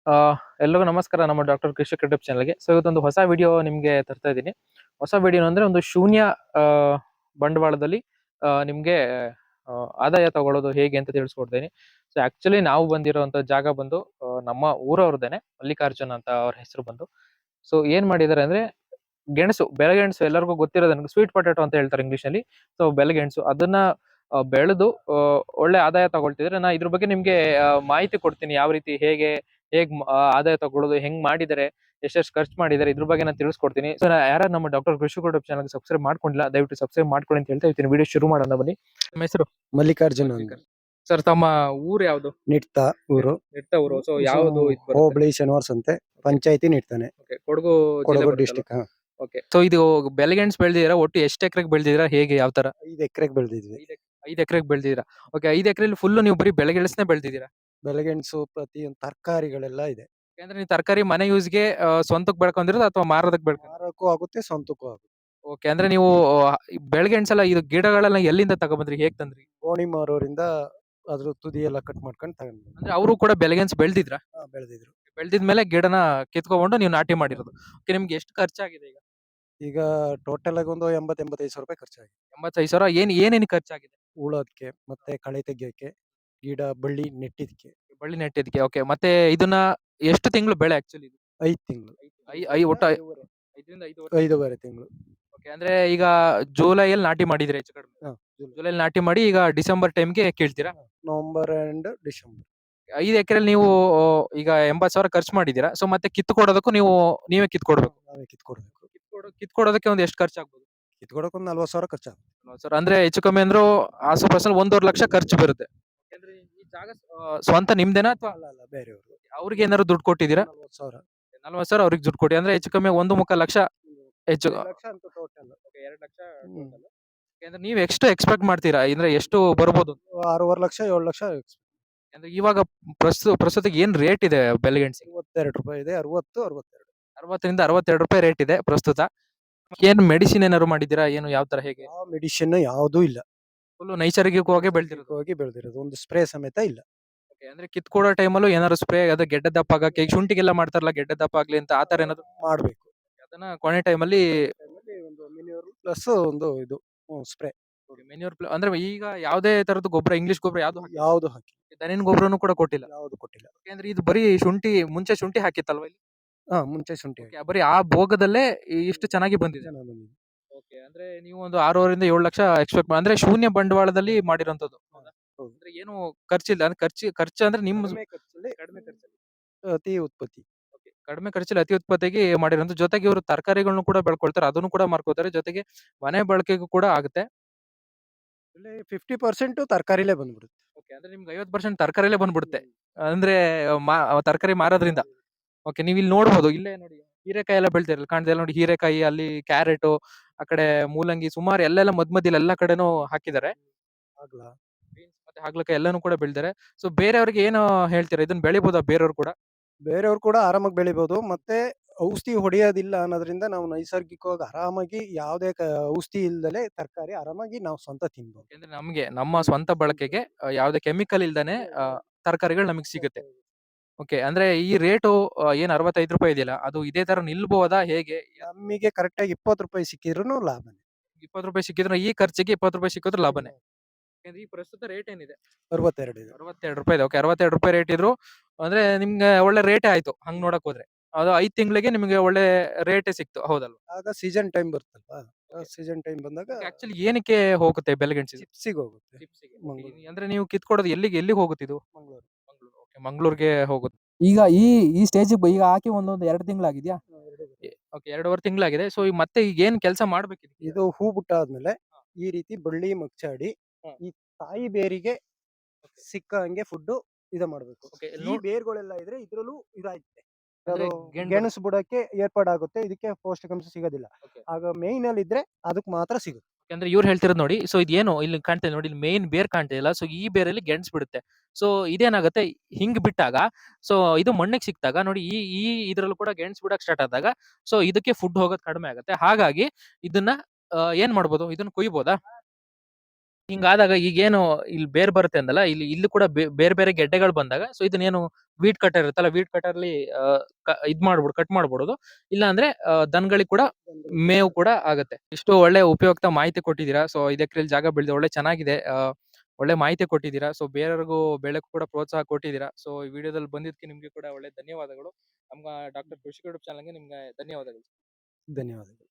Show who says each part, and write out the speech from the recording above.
Speaker 1: ಆ, ಎಲ್ರಿಗೂ ನಮಸ್ಕಾರ ನಮ್ಮ ಡಾಕ್ಟರ್ ಕೃಷಿ ಯೂಟ್ಯೂಬ್ ಚಾನಲ್ಗೆ. ಸೊ ಇವತ್ತೊಂದು ಹೊಸ ವಿಡಿಯೋ ನಿಮ್ಗೆ ತರ್ತಾ ಇದ್ದೀನಿ. ಹೊಸ ವಿಡಿಯೋ ಅಂದ್ರೆ ಒಂದು ಶೂನ್ಯ ಆ, ಬಂಡವಾಳದಲ್ಲಿ ನಿಮ್ಗೆ ಆದಾಯ ತಗೊಳ್ಳೋದು ಹೇಗೆ ಅಂತ ತಿಳಿಸ್ಕೊಡ್ತೀನಿ. ಸೊ ಆಕ್ಚುಲಿ ನಾವು ಬಂದಿರೋಂಥ ಜಾಗ ಬಂದು ನಮ್ಮ ಊರವ್ರದೇನೆ, ಮಲ್ಲಿಕಾರ್ಜುನ್ ಅಂತ ಅವ್ರ ಹೆಸರು ಬಂದು. ಸೊ ಏನ್ ಮಾಡಿದ್ದಾರೆ ಅಂದ್ರೆ ಗೆಣಸು, ಬೆಳೆಗೆಣಸು ಎಲ್ಲರಿಗೂ ಗೊತ್ತಿರೋದು, ನನಗೆ ಸ್ವೀಟ್ ಪೊಟ್ಯಾಟೊ ಅಂತ ಹೇಳ್ತಾರೆ ಇಂಗ್ಲಿಷ್ ನಲ್ಲಿ. ಸೊ ಬೆಳೆಗೆಣಸು ಅದನ್ನ ಬೆಳೆದು ಒಳ್ಳೆ ಆದಾಯ ತಗೊಳ್ತಿದ್ರೆ ನಾ ಇದ್ರ ಬಗ್ಗೆ ನಿಮ್ಗೆ ಮಾಹಿತಿ ಕೊಡ್ತೀನಿ. ಯಾವ ರೀತಿ ಹೇಗೆ ಆದಾಯ ತಗೊಳ್ಳೋದು ಹೆಂಗ್ ಮಾಡಿದ್ದಾರೆ, ಎಷ್ಟೆಷ್ಟು ಖರ್ಚು ಮಾಡಿದ್ದಾರೆ, ಇದ್ರ ಬಗ್ಗೆ ನಾನು ತಿಳಿಸ್ಕೊಡ್ತೀನಿ. ಸೊ ಯಾರು ನಮ್ಮ ಡಾಕ್ಟರ್ ಕೃಷಿ ಯೂಟ್ಯೂಬ್ ಚಾನಲ್ ಸಬ್ಸ್ಕ್ರೈಬ್ ಮಾಡ್ಕೊಂಡಿಲ್ಲ, ದಯವಿಟ್ಟು ಸಬ್ಸ್ಕ್ರೈಬ್ ಮಾಡ್ಕೊಳ್ಳಿ ಅಂತ ಹೇಳ್ತಾ ಇದ್ದೀನಿ. ವಿಡಿಯೋ ಶುರು ಮಾಡೋಣ ಬನ್ನಿ. ನಿಮ್ಮ ಹೆಸರು?
Speaker 2: ಮಲ್ಲಿಕಾರ್ಜುನ್ ಅಂತ.
Speaker 1: ಸರ್ ತಮ್ಮ ಊರು ಯಾವ್ದು?
Speaker 2: ನಿಟ್ತ ಊರು.
Speaker 1: ನೆಟ್ಟ ಊರು. ಸೊ ಯಾವ್ದು ಇದು ಬರುತ್ತೆ?
Speaker 2: ಹೋಬಳಿ ಶನಿವಾರ ಸಂತೆ ಪಂಚಾಯತಿ ನಿಡ್ತಾನೆ,
Speaker 1: Okay, ಕೊಡಗು
Speaker 2: ಕೊಡಗು
Speaker 1: ಜಿಲ್ಲೆ
Speaker 2: ಡಿಸ್ಟಿಕ್.
Speaker 1: ಓಕೆ. ಸೊ ಇದು ಬೆಳೆಗೆಣಸು ಬೆಳೆದಿದ್ದೀರಾ? ಒಟ್ಟು ಎಷ್ಟು ಎಕರೆಗೆ ಬೆಳೆದಿದ್ದೀರಾ? ಹೇಗೆ ಯಾವ ತರ?
Speaker 2: 5 ಎಕರೆಗೆ ಬೆಳೆದಿದ್ವಿ.
Speaker 1: 5 ಎಕರೆಗೆ ಬೆಳೆದಿದ್ದೀರಾ? ಓಕೆ. 5 ಎಕರೆಲಿ ಫುಲ್ ನೀವು ಬರೀ ಬೆಳೆಗೆಣಸನ್ನೇ ಬೆಳೆದಿದ್ದೀರಾ?
Speaker 2: ಬೆಳೆಗೆಣಸು ಪ್ರತಿಯೊಂದು ತರಕಾರಿಗಳೆಲ್ಲ ಇದೆ.
Speaker 1: ಯಾಕಂದ್ರೆ ನೀವು ತರಕಾರಿ ಮನೆ ಯೂಸ್ಗೆ ಸ್ವಂತಕ್ಕೆ ಬೆಳ್ಕೊಂಡಿರೋದು ಅಥವಾ ಮಾರೋದಕ್ಕೆ ಬೆಳ್ಕೊಂಡು?
Speaker 2: ಮಾರಕ್ಕೂ ಆಗುತ್ತೆ, ಸ್ವಂತಕ್ಕೂ ಆಗುತ್ತೆ.
Speaker 1: ಓಕೆ. ಅಂದ್ರೆ ನೀವು ಬೆಳೆಗೆಣಸೆಲ್ಲ ಇದು ಗಿಡಗಳೆಲ್ಲ ಎಲ್ಲಿಂದ ತಗೊಬಂದ್ರಿ, ಹೇಗ್ ತಂದ್ರಿ?
Speaker 2: ಗೋಣಿ ಮಾರೋರಿಂದ ಅದ್ರ ತುದಿ ಎಲ್ಲ ಕಟ್ ಮಾಡ್ಕೊಂಡು ತಗೊಂಡ್ವಿ.
Speaker 1: ಅಂದ್ರೆ ಅವರು ಕೂಡ ಬೆಳೆಗೆಣಸು ಬೆಳೆದಿದ್ರ?
Speaker 2: ಬೆಳೆದಿದ್ರು.
Speaker 1: ಬೆಳೆದಿದ್ಮೇಲೆ ಗಿಡನ ಕಿತ್ಕೊಂಡು ನೀವು ನಾಟಿ ಮಾಡಿರೋದು. ಓಕೆ. ನಿಮ್ಗೆ ಎಷ್ಟು ಖರ್ಚಾಗಿದೆ ಈಗ?
Speaker 2: ಈಗ ಟೋಟಲ್ ಆಗಿ ಒಂದು 80-85 ಸಾವಿರ ರೂಪಾಯಿ ಖರ್ಚಾಗಿದೆ.
Speaker 1: 85,000. ಏನೇನು ಖರ್ಚಾಗಿದೆ?
Speaker 2: ಉಳೋದಕ್ಕೆ ಮತ್ತೆ ಕಳೆ ತೆಗಿಯಕ್ಕೆ, ಗಿಡ ಬಳ್ಳಿ ನೆಟ್ಟಿದ್ಕೆ.
Speaker 1: ಬಳ್ಳಿ ನೆಟ್ಟಿದ್ಕೆ. ಓಕೆ. ಮತ್ತೆ ಇದನ್ನ ಎಷ್ಟು ತಿಂಗಳು ಬೆಳೆ ಆಕ್ಚುಲಿ ಇದು?
Speaker 2: 5 ತಿಂಗಳು.
Speaker 1: ಒಟ್ಟು 5ರಿಂದ 5
Speaker 2: 5.5 ತಿಂಗಳು.
Speaker 1: ಓಕೆ. ಅಂದ್ರೆ ಈಗ ಜುಲೈಯಲ್ಲಿ ನಾಟಿ ಮಾಡಿದ್ರೆ ಹೆಚ್ಚು ಕಡಿಮೆ? ಜುಲೈಲಿ ನಾಟಿ ಮಾಡಿ ಈಗ ಡಿಸೆಂಬರ್ ಟೈಮ್ಗೆ ಕೀಳ್ತೀರಾ?
Speaker 2: November and December.
Speaker 1: 5 ಎಕರೆಲಿ ನೀವು ಈಗ 80,000 ಖರ್ಚು ಮಾಡಿದೀರಾ. ಸೊ ಮತ್ತೆ ಕಿತ್ಕೊಡೋದಕ್ಕೂ ನೀವೇ ಕಿತ್ಕೊಡ್ಬೇಕು.
Speaker 2: ನಾವೇ ಕಿತ್ಕೊಡ್ಬೇಕು.
Speaker 1: ಕಿತ್ಕೊಡೋದಕ್ಕೆ ಒಂದು ಎಷ್ಟು ಖರ್ಚಾಗ್ಬೋದು?
Speaker 2: ಕಿತ್ಕೊಡಕ್ ಒಂದು 40 ಸಾವಿರ ಖರ್ಚಾಗುತ್ತೆ.
Speaker 1: ಸರ್ ಅಂದ್ರೆ ಹೆಚ್ಚು ಕಮ್ಮಿ ಅಂದ್ರೂ ಆಸುಪಾಸಲ್ಲಿ 1.5 ಲಕ್ಷ ಖರ್ಚು ಬರುತ್ತೆ. ಯಾಕಂದ್ರೆ ಈ ಜಾಗ ಸ್ವಂತ ನಿಮ್ದೇನಾ ಅಥವಾ
Speaker 2: ಅಲ್ಲ ಬೇರೆಯವರು.
Speaker 1: ಅವ್ರಿಗೆ ಏನಾದ್ರು ದುಡ್ಡು ಕೊಟ್ಟಿದ್ದೀರಾ?
Speaker 2: 40,000.
Speaker 1: 40,000 ಅವ್ರಿಗೆ ದುಡ್ಡು ಕೊಡಿ. ಅಂದ್ರೆ ಹೆಚ್ಚು ಕಮ್ಮಿ 1.25 ಲಕ್ಷ ಹೆಚ್ಚು.
Speaker 2: 2 ಲಕ್ಷ ಅಂತ ಟೋಟಲ್.
Speaker 1: 2 ಲಕ್ಷ ಟೋಟಲ್. ಅಂದ್ರೆ ನೀವು ಎಷ್ಟು ಎಕ್ಸ್ಪೆಕ್ಟ್ ಮಾಡ್ತೀರಾ? ಅಂದ್ರೆ ಎಷ್ಟು ಬರ್ಬೋದು?
Speaker 2: 6.5 ಲಕ್ಷ 7 ಲಕ್ಷ.
Speaker 1: ಅಂದ್ರೆ ಇವಾಗ ಪ್ರಸ್ತುತ ಏನ್ ರೇಟ್ ಇದೆ ಬೆಲೆಗೆಣಸಿಗೆ?
Speaker 2: 62 ರೂಪಾಯಿ ಇದೆ. 60, 62.
Speaker 1: 60ರಿಂದ 62 ರೂಪಾಯಿ ರೇಟ್ ಇದೆ ಪ್ರಸ್ತುತ. ಏನು ಮೆಡಿಸಿನ್ ಏನಾದ್ರು ಮಾಡಿದ್ದೀರಾ? ಏನು ಯಾವ ತರ ಹೇಗೆ?
Speaker 2: ಯಾವ ಮೆಡಿಸಿನ್ ಯಾವ್ದೂ ಇಲ್ಲ.
Speaker 1: ಫುಲ್ ನೈಸರ್ಗಿಕವಾಗಿ ಬೆಳೆದಿರೋದು.
Speaker 2: ಹೋಗಿ ಬೆಳೆದಿರೋದು. ಒಂದು ಸ್ಪ್ರೇ ಸಮೇತ ಇಲ್ಲ.
Speaker 1: ಓಕೆ. ಅಂದ್ರೆ ಕಿತ್ಕೊಡೋ ಟೈಮಲ್ಲೂ ಏನಾದ್ರು ಸ್ಪ್ರೇ, ಅದು ಗೆಡ್ಡೆ ದಪ್ಪ ಆಗಕ್ಕೆ, ಈಗ ಶುಂಠಿಗೆಲ್ಲ ಮಾಡ್ತಾರಲ್ಲ ಗೆಡ್ಡೆ ದಪ್ಪ ಆಗ್ಲಿ ಅಂತ, ಆ ತರ ಏನಾದ್ರು
Speaker 2: ಮಾಡ್ಬೇಕು.
Speaker 1: ಅದನ್ನ ಕೊನೆ ಟೈಮಲ್ಲಿ
Speaker 2: ಒಂದು ಮಿನಿಯರ್ ಪ್ಲಸ್ ಒಂದು ಇದು ಸ್ಪ್ರೇ.
Speaker 1: ಮೆನ್ಯೂರ್ ಅಂದ್ರೆ ಈಗ ಯಾವ್ದೇ ತರದ್ದು ಗೊಬ್ಬರ, ಇಂಗ್ಲಿಷ್ ಗೊಬ್ಬರ
Speaker 2: ಯಾವ್ದು ಹಾಕಿ.
Speaker 1: ದನಿನ್ ಗೊಬ್ಬರನು ಕೂಡ ಕೊಟ್ಟಿಲ್ಲ?
Speaker 2: ಯಾವ್ದು ಕೊಟ್ಟಿಲ್ಲ.
Speaker 1: ಯಾಕಂದ್ರೆ ಇದು ಬರೀ ಮುಂಚೆ ಶುಂಠಿ ಹಾಕಿತ್ತಲ್ವಾ ಇಲ್ಲಿ?
Speaker 2: ಮುಂಚೆ ಶುಂಠಿ
Speaker 1: Okay, ಬರೀ ಆ ಭೋಗದಲ್ಲೇ ಇಷ್ಟು ಚೆನ್ನಾಗಿ ಬಂದಿದೆ.
Speaker 2: ಚೆನ್ನಾಗ್ ಬಂದಿದೆ.
Speaker 1: ಓಕೆ. ಅಂದ್ರೆ ನೀವು ಒಂದು 6.5ರಿಂದ 7 ಲಕ್ಷ ಎಕ್ಸ್ಪೆಕ್ಟ್ ಅಂದ್ರೆ ಶೂನ್ಯ ಬಂಡವಾಳದಲ್ಲಿ ಮಾಡಿರೋಂಥದ್ದು. ಹೌದಾ?
Speaker 2: ಹೌದು.
Speaker 1: ಅಂದ್ರೆ ಏನು ಖರ್ಚಿಲ್ಲ. ಅಂದ್ರೆ ಖರ್ಚು ಅಂದ್ರೆ ನಿಮ್ಮ
Speaker 2: ಕಡಿಮೆ ಖರ್ಚಲ್ಲಿ
Speaker 1: ಕಡಿಮೆ ಖರ್ಚಲ್ಲಿ.
Speaker 2: ಅತಿ ಉತ್ಪತ್ತಿ.
Speaker 1: Okay. ಕಡಿಮೆ ಖರ್ಚಲ್ಲಿ ಅತಿ ಉತ್ಪತ್ತಿಗೆ ಮಾಡಿರೋದು. ಜೊತೆಗೆ ಇವರು ತರಕಾರಿಗಳನ್ನು ಕೂಡ ಬೆಳ್ಕೊಳ್ತಾರೆ, ಅದನ್ನು ಕೂಡ ಮಾರ್ಕೋತಾರೆ. ಜೊತೆಗೆ ಮನೆ ಬಳಕೆಗೂ ಕೂಡ ಆಗುತ್ತೆ.
Speaker 2: ಇಲ್ಲಿ 50% ತರಕಾರಿಲೇ ಬಂದ್ಬಿಡುತ್ತೆ.
Speaker 1: ಓಕೆ. ಅಂದ್ರೆ ನಿಮ್ಗೆ 50% ತರಕಾರಿಲೇ ಬಂದ್ಬಿಡುತ್ತೆ. ಅಂದ್ರೆ ತರಕಾರಿ ಮಾರೋದ್ರಿಂದ. ಓಕೆ. ನೀವು ಇಲ್ಲಿ ನೋಡ್ಬೋದು, ಇಲ್ಲೇ ನೋಡಿ ಹೀರೆಕಾಯಿ ಎಲ್ಲ ಬೆಳ್ತಿರಲ್ಲ, ಕಾಣ್ತಿಲ್ಲ ನೋಡಿ ಹೀರೆಕಾಯಿ, ಅಲ್ಲಿ ಕ್ಯಾರೆಟ್, ಆ ಕಡೆ ಮೂಲಂಗಿ, ಸುಮಾರು ಎಲ್ಲೆಲ್ಲ ಮಧ್ಯದಲ್ಲಿ ಎಲ್ಲಾ ಕಡೆನೂ ಹಾಕಿದ್ದಾರೆ.
Speaker 2: ಆಗ್ಲಾ
Speaker 1: ಬೀನ್ಸ್ ಮತ್ತೆ ಹಾಗಲಕಾಯಿ ಎಲ್ಲಾನು ಕೂಡ ಬೆಳ್ದಿದ್ದಾರೆ. ಸೊ ಬೇರೆಯವ್ರಿಗೆ ಏನು ಹೇಳ್ತೀರಾ? ಇದನ್ನ ಬೆಳಿಬೋದಾ ಬೇರೆಯವ್ರು ಕೂಡ?
Speaker 2: ಬೇರೆಯವ್ರು ಕೂಡ ಆರಾಮಾಗಿ ಬೆಳಿಬಹುದು. ಮತ್ತೆ ಔಷಧಿ ಹೊಡೆಯೋದಿಲ್ಲ ಅನ್ನೋದ್ರಿಂದ ನಾವು ನೈಸರ್ಗಿಕವಾಗಿ ಆರಾಮಾಗಿ ಯಾವುದೇ ಔಷಧಿ ಇಲ್ದಲೆ ತರಕಾರಿ ಆರಾಮಾಗಿ ನಾವು ಸ್ವಂತ ತಿನ್ಬಹುದು.
Speaker 1: ಯಾಕಂದ್ರೆ ನಮ್ಗೆ ನಮ್ಮ ಸ್ವಂತ ಬಳಕೆಗೆ ಯಾವುದೇ ಕೆಮಿಕಲ್ ಇಲ್ದಾನೆ ತರಕಾರಿಗಳು ನಮಗೆ ಸಿಗುತ್ತೆ. ಓಕೆ. ಅಂದ್ರೆ ಈ ರೇಟು ಏನ್ 65 ರೂಪಾಯಿ ಇದೆಯಲ್ಲ, ಅದು ಇದೇ ತರ ನಿಲ್ಬಹುದಾ ಹೇಗೆ?
Speaker 2: ನಮಗೆ ಕರೆಕ್ಟಾಗಿ 20 ರೂಪಾಯಿ ಸಿಕ್ಕಿದ್ರೂ ಲಾಭನೇ.
Speaker 1: 20 ರೂಪಾಯಿ ಸಿಕ್ಕಿದ್ರೆ, ಈ ಖರ್ಚಿಗೆ 20 ರೂಪಾಯಿ ಸಿಕ್ಕಿದ್ರೆ ಲಾಭನೇ. ಯಾಕಂದ್ರೆ ಈ ಪ್ರಸ್ತುತ ರೇಟ್ ಏನಿದೆ?
Speaker 2: 62 ಇದೆ.
Speaker 1: 62 ರೂಪಾಯಿ ಇದೆ. ಓಕೆ. 62 ರೂಪಾಯಿ ರೇಟ್ ಇದ್ರು ಅಂದ್ರೆ ನಿಮ್ಗೆ ಒಳ್ಳೆ ರೇಟೇ ಆಯ್ತು ಹಂಗ್ ನೋಡಕ್ ಹೋದ್ರೆ. ಅದು 5 ತಿಂಗಳಿಗೆ ನಿಮಗೆ ಒಳ್ಳೆ ರೇಟೇ ಸಿಕ್ತು, ಹೌದಲ್ವಾ?
Speaker 2: ಆಗ ಸೀಸನ್ ಟೈಮ್ ಬರುತ್ತಲ್ವಾ? ಸೀಸನ್ ಟೈಮ್ ಬಂದಾಗ
Speaker 1: ಆಕ್ಚುಲಿ ಏನಕ್ಕೆ ಹೋಗುತ್ತೆ ಬೆಲೆಗೆಣಸು?
Speaker 2: ಚಿಪ್ಸಿಗೆ ಹೋಗುತ್ತೆ.
Speaker 1: ಚಿಪ್ಸಿಗೆ.
Speaker 2: ಮಂಗಳೂರು.
Speaker 1: ಅಂದ್ರೆ ನೀವು ಕಿತ್ಕೊಡೋದು ಎಲ್ಲಿಗೆ ಹೋಗುತ್ತೆ ಇದು?
Speaker 2: ಮಂಗಳೂರು.
Speaker 1: ಮಂಗಳೂರು. ಓಕೆ. ಮಂಗಳೂರಿಗೆ ಹೋಗುತ್ತೆ. ಈಗ ಈ ಸ್ಟೇಜ್ ಈಗ ಹಾಕಿ ಒಂದೊಂದು 2 ತಿಂಗಳಾಗಿದ್ಯಾ? ಓಕೆ. 2.5 ತಿಂಗಳಾಗಿದೆ. ಸೊ ಈಗ ಮತ್ತೆ ಈಗ ಏನ್ ಕೆಲಸ ಮಾಡ್ಬೇಕಿದೆ?
Speaker 2: ಇದು ಹೂ ಬಿಟ್ಟಾದ್ಮೇಲೆ ಈ ರೀತಿ ಬಳ್ಳಿ ಮಗ್ಚಾಡಿ
Speaker 1: ಹ್ಮ್.
Speaker 2: ಈ ತಾಯಿ ಬೇರಿಗೆ ಸಿಕ್ಕ ಹಂಗೆ ಫುಡ್ ಮಾಡ್ಬೇಕು.
Speaker 1: ಓಕೆ.
Speaker 2: ಈ ಬೇರ್ಗಳೆಲ್ಲ ಇದ್ರೆ ಇದ್ರಲ್ಲೂ ಇದಾಯ್ತೆ.
Speaker 1: ಅಂದ್ರೆ
Speaker 2: ಅದು
Speaker 1: ಗೆಣಸು
Speaker 2: ಗೆಣಸು ಬುಡಕ್ಕೆ ಏರ್ಪಾಡಾಗುತ್ತೆ. ಇದಕ್ಕೆ ಪೌಷ್ಟಿಕಾಂಶ ಸಿಗೋದಿಲ್ಲ.
Speaker 1: ಓಕೆ.
Speaker 2: ಆಗ ಮೇಯ್ನ್ ಅಲ್ಲಿ ಇದ್ರೆ ಅದಕ್ಕೆ ಮಾತ್ರ ಸಿಗುತ್ತೆ.
Speaker 1: ಅಂದ್ರೆ ಇವ್ರು ಹೇಳ್ತಿರೋದು ನೋಡಿ. ಸೊ ಇದೇನು ಇಲ್ಲಿ ಕಾಣ್ತಿದೆ ನೋಡಿ, ಇಲ್ಲಿ ಮೇನ್ ಬೇರ್ ಕಾಣ್ತಿಲ್ಲ. ಸೊ ಈ ಬೇರಲ್ಲಿ ಗೆಣಸು ಬಿಡುತ್ತೆ. ಸೊ ಇದೇನಾಗುತ್ತೆ, ಹಿಂಗ್ ಬಿಟ್ಟಾಗ, ಸೊ ಇದು ಮಣ್ಣಿಗೆ ಸಿಕ್ತಾಗ ನೋಡಿ, ಈ ಇದ್ರಲ್ಲೂ ಕೂಡ ಗೆಣಸು ಬಿಡಕ್ ಸ್ಟಾರ್ಟ್ ಆದಾಗ, ಸೊ ಇದಕ್ಕೆ ಫುಡ್ ಹೋಗೋದು ಕಡಿಮೆ ಆಗುತ್ತೆ. ಹಾಗಾಗಿ ಇದನ್ನ ಏನ್ ಮಾಡ್ಬೋದು? ಇದನ್ನ ಕೊಯ್ಬೋದಾ? ಹಿಂಗಾದಾಗ ಈಗೇನು ಇಲ್ಲಿ ಬೇರ್ ಬರುತ್ತೆ ಅಂದಲ್ಲ, ಇಲ್ಲಿ ಕೂಡ ಬೇರೆ ಬೇರೆ ಗೆಡ್ಡೆಗಳು ಬಂದಾಗ ಸೊ ಇದನ್ನೇನು ವೀಟ್ ಕಟರ್ ಇರುತ್ತಲ್ಲ, ವೀಟ್ ಕಟರ್ಲಿ ಇದ್ ಮಾಡ್ಬಿಡು ಕಟ್ ಮಾಡ್ಬಿಡೋದು. ಇಲ್ಲ ಅಂದ್ರೆ ದನಗಳಿಗೆ ಕೂಡ ಮೇವು ಕೂಡ ಆಗತ್ತೆ. ಇಷ್ಟು ಒಳ್ಳೆ ಉಪಯುಕ್ತ ಮಾಹಿತಿ ಕೊಟ್ಟಿದ್ದೀರಾ. ಸೊ 5 ಎಕರೆಲಿ ಜಾಗ ಬೆಳೆದಿದೆ, ಒಳ್ಳೆ ಚೆನ್ನಾಗಿದೆ. ಒಳ್ಳೆ ಮಾಹಿತಿ ಕೊಟ್ಟಿದ್ದೀರಾ. ಸೊ ಬೇರೆಯವ್ರಿಗೂ ಬೆಳೆಗೂ ಕೂಡ ಪ್ರೋತ್ಸಾಹ ಕೊಟ್ಟಿದ್ದೀರಾ. ಸೊ ಈ ವಿಡಿಯೋದಲ್ಲಿ ಬಂದಿದ್ದಕ್ಕೆ ನಿಮ್ಗೆ ಕೂಡ ಒಳ್ಳೆ ಧನ್ಯವಾದಗಳು. ನಮ್ಮ ಡಾಕ್ಟರ್ ಕೃಷಿಕ ಯೂಟ್ಯೂಬ್ ಚಾನಲ್‌ಗೆ ನಿಮ್ಗೆ ಧನ್ಯವಾದಗಳು.
Speaker 2: ಧನ್ಯವಾದಗಳು.